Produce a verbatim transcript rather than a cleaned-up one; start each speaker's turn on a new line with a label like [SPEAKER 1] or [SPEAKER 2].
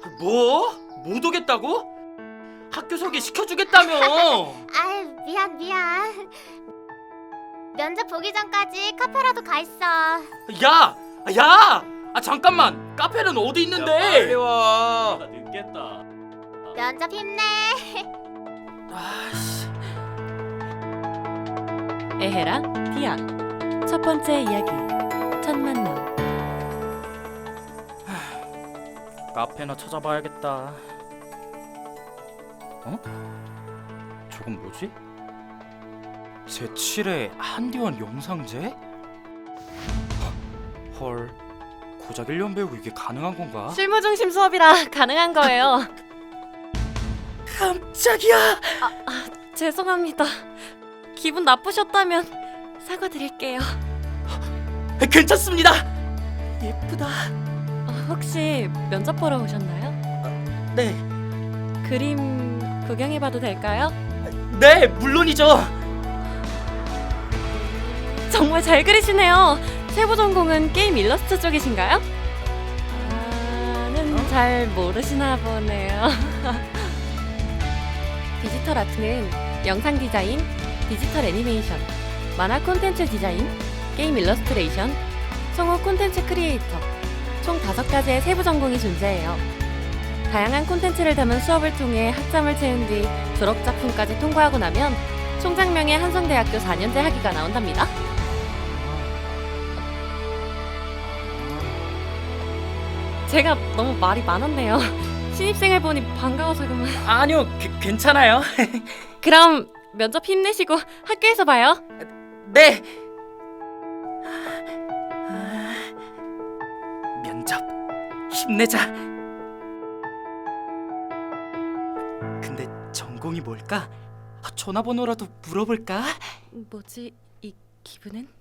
[SPEAKER 1] 뭐? 못 오겠다고? 학교 소개 시켜주겠다며.
[SPEAKER 2] 아유, 미안 미안. 면접 보기 전까지 카페라도 가 있어.
[SPEAKER 1] 야! 야! 아 잠깐만! 카페는 어디 있는데?
[SPEAKER 3] 빨리 와.
[SPEAKER 1] 나 늦겠다.
[SPEAKER 2] 면접 힘내.
[SPEAKER 1] 아씨.
[SPEAKER 4] 에헤랑 디아 첫 번째 이야기 첫 만남.
[SPEAKER 1] 카페나 찾아봐야겠다. 어? 저건 뭐지? 제칠의 한디원 영상제? 헐, 고작 일 년 배우고 이게 가능한 건가?
[SPEAKER 4] 실무 중심 수업이라 가능한 거예요.
[SPEAKER 1] 깜짝이야!
[SPEAKER 4] 죄송합니다. 기분 나쁘셨다면 사과드릴게요.
[SPEAKER 1] 괜찮습니다! 예쁘다.
[SPEAKER 4] 어, 혹시 면접 보러 오셨나요?
[SPEAKER 1] 네,
[SPEAKER 4] 그림 구경해봐도 될까요?
[SPEAKER 1] 네, 물론이죠.
[SPEAKER 4] 정말 잘 그리시네요. 세부 전공은 게임 일러스트 쪽이신가요? 아는 잘 모르시나 보네요. 디지털 아트는 영상 디자인, 디지털 애니메이션, 만화 콘텐츠 디자인, 게임 일러스트레이션, 성우 콘텐츠 크리에이터 총 다섯 가지의 세부 전공이 존재해요. 다양한 콘텐츠를 담은 수업을 통해 학점을 채운 뒤 졸업 작품까지 통과하고 나면 총장명의 한성대학교 사 년제 학위가 나온답니다. 제가 너무 말이 많았네요. 신입생을 보니 반가워서 그만.
[SPEAKER 1] 아니요, 그, 괜찮아요.
[SPEAKER 4] 그럼 면접 힘내시고 학교에서 봐요.
[SPEAKER 1] 네. 면접 힘내자. 근데 전공이 뭘까? 전화번호라도 물어볼까?
[SPEAKER 4] 뭐지 이 기분은?